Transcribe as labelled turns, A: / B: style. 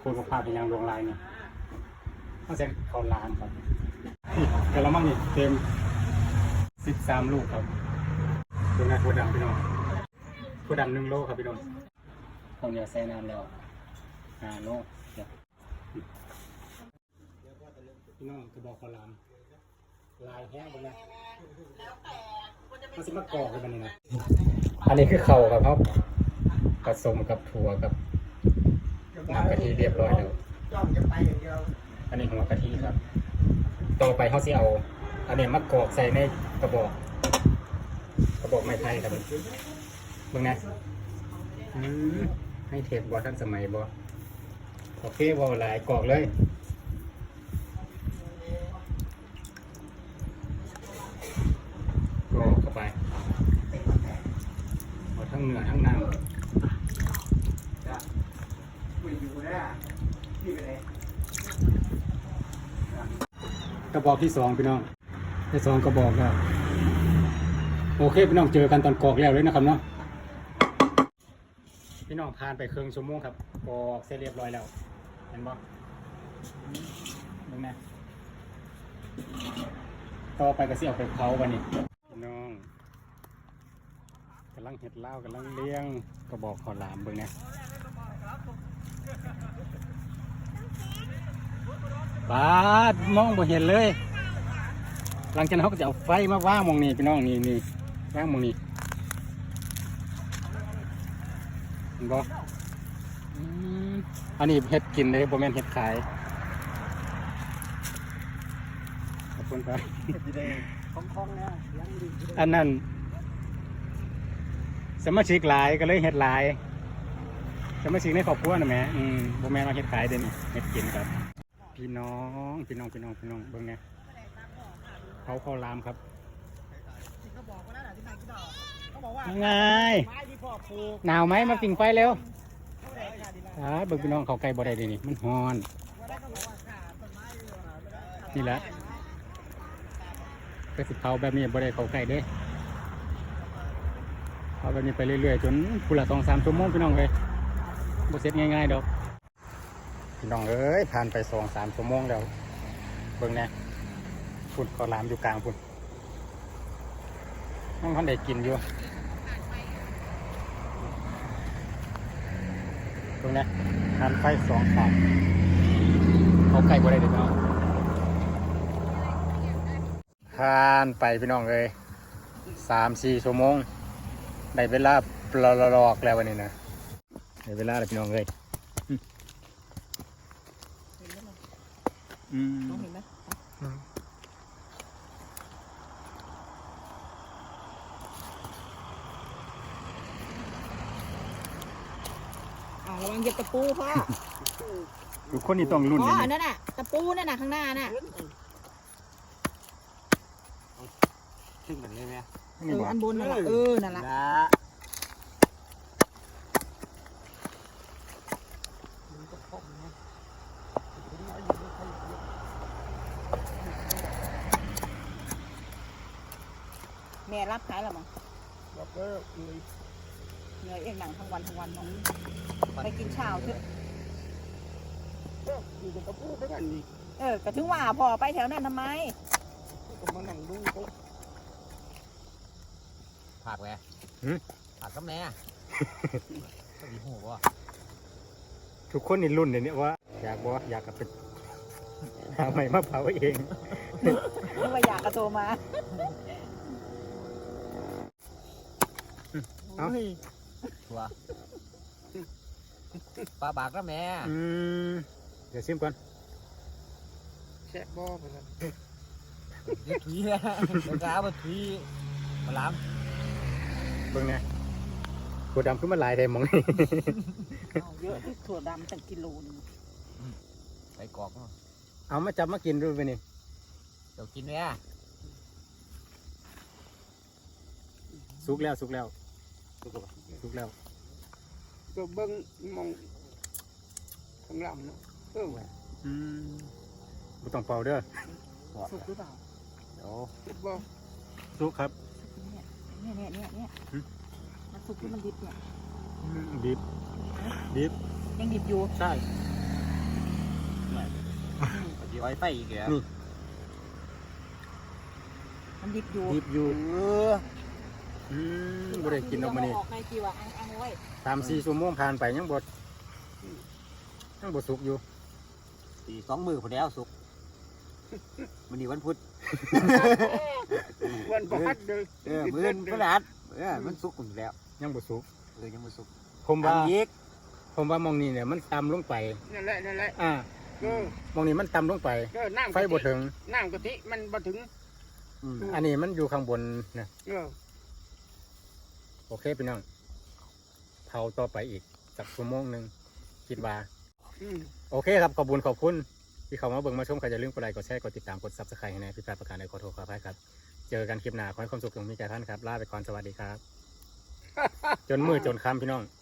A: ปูนภาพเป็นยังดวงลายนี่ต้องเซ็นเขาล้านครับแต่ละมั่งนี่เต็ม13 ลูกครับตัวงานตัวดำพี่น้องตัวดำ1 โลครับพี่น้องเขาเนี่ยใส่น้ำแล้ว5 โลพี่น้องกระบอกข้าวหลามลายแห้งไปนะมันจะมากรอกกันนี่นะอันนี้คือเข่าครับผสมกับถั่วกับน้ำกะทิเรียบร้อยแล้วอันนี้หัวกะทิครับต่อไปเขาสิเอาอันนี้มากรอกใส่ในกระบอกไม้ไผ่ครับเบิ่งนะให้เทปบอท่านสมัยบอโอเคบอหลายกรอกเลยกรอกเข้าไปเอาทั้งเนื้อทั้งน้ำกระบอกที่2พี่น้องที่2กระบอกแล้วโอเคพี่น้องเจอกันตอนกรอกแล้วเลยนะครับเนาะพี่น้องผ่านไปครึ่งชั่วโมงครับกรอกเสร็จเรียบร้อยแล้วเห็นบ่ดูนะต่อไปก็สิเอาไปเผาวันนี้พี่น้องกำลังเห็ดเหล้ากำลังเลี้ยงกระบอกข้าวหลามเบิ่งนะบาดมองบ่เห็นเลยหลังจากนั้นเขาก็จะเอาไฟมาว่างมองนี่พี่น้องนี่ว่างมองนี่เห็นบ่อันนี้เห็ดกินเลยบ่แม่นเห็ดขายขอบคุณครับของเนี่ยอันนั้นสมาชิกหลายก็เลยเห็ดหลายสมาชิกในครอบครัวนะแม่บ่แม่นว่าเห็ดขายเด้นี่เห็ดกินครับพี่น้องเบิ่งไงเขาข้าวหลามครับเขาบอกว่าที่ไหนกี่ดอกเขาบอกว่าไงหนาวไหมมาปิ่งไฟเร็วเบิ่งพี่น้องเขาไก่บ่ได้ดีนี่มันฮ้อนนี่แหละก็สิเขาแบบนี้บ่ได้เขาไก่เด้เขาแบบนี้ไปเรื่อยๆจนพุ่นละ2-3 ชั่วโมงพี่น้องเลยบ่เสร็จง่ายๆดอกพี่น้องเอ้ยผ่านไป2-3 ชั่วโมงแล้วเบิ่งแน่พุ่นข้าวหลามอยู่กลางพุ่นนั่งท่านได้กินอยู่ตรงนี้ทานไฟ2 ขาเขาไก่บ่ได้เด็กน้องทานไปพี่น้องเลย3-4 ชั่วโมงได้เวลาปลอกแล้ววันนี้นะได้เวลาแล้วพี่น้องเลยน้องเห็นไหม
B: ระวังเหยียบตะปูพ่อ
A: ทุกคนนี่ต้องรุ่น
B: อันนั้นน่ะตะปูนั่นน่ะข้างหน้าน่ะ
A: ขึ้นแบบนี้ไหม
B: อันบนนั่นแหละนั่นแหละแม่รับขายหรอมั้งรับก็เหนื่อยเองหนังทั้งวันน้องไปกินเช้าเถอะ
C: อยู่กับพูดด้วยกันนี่
B: ก็ถึงว่าพอไปแถวนั้นทำไม
C: ก็มานั่งดูเขา
D: ผักแหวผักกับแม่ก็ดีหัว
A: ทุกคนนี่รุ่นเนี่ยว่าอยากกับเป็นหาใหม่มาเผาเอง
B: นึกว่าอยากกระโตมา
D: ตัวปลาบากกับแม่
A: เดี๋ยวซิมก่อน
C: แช่บ่อไปแล้ว
D: ยึดถุยแล้วกระมาถุยมาล้
A: ำเบิ่งไงถั่วดำขึ้นมาลายได้มองนี่
B: เยอะที่ถั่วดำตั้งกิโลนึง
D: ใส่กรอก
A: เอามาจับมากินดูไปนี่
D: เดี๋ยวกินเนี่ย
A: สุกแล้ว
C: ก็เบิ้งมองข้างหลังเนาะ
A: บุต้องเป่าเด้อ
B: สุกหรือเปล่า
D: เดี๋ยว
C: บ่
A: สุกครับ
B: เนี่ยมันสุกหรือมันดิบเนี่ย
A: ดิบ
B: ยังดิบอยู่
A: ใช่
D: ดีไว้ไฟอีกแล้ว
B: มันดิบอยู่
A: ดิบอยู่บ่ได้กินออกมานี่
B: ออกในกี่ว่าอังไว้
A: 3-4 ชั่วโมงผ่านไปยังบ่สุกอยู่
D: ตี2 มือพอแล้วสุกมันนี่วันพุธ
C: วันประหัดเลย
D: มื้อพฤหัสมันสุกอยู่แล้ว
A: ยังบ่สุก
D: ยังบ่สุก
A: ผมว่า
D: ทำอีก
A: มองนี่เนี่ยมันต่ำลงไป
C: นั่นแหละ
A: มองนี่มันต่ำลงไป
C: น้ำ
A: ไฟบ่ถึง
C: น้ำกะทิมันบ่ถึง
A: อันนี้มันอยู่ข้างบนนะ
C: เออ
A: โอเคพี่น้องเผาต่อไปอีกสักชั่วโมงหนึงคิดว่า โอเคครับขอบคุณที่เข้ามาเบิ่งมาชมใครจะลืมกดไลค์กดแชร์กดติดตามกด Subscribe ให้ในพิพาทประการใดขอโทษขออภัยครับเจอกันคลิปหน้าขอให้ความสุขจงมีแก่ท่านครับลาไปก่อนสวัสดีครับ จนมืดจนค่ำพี่น้อง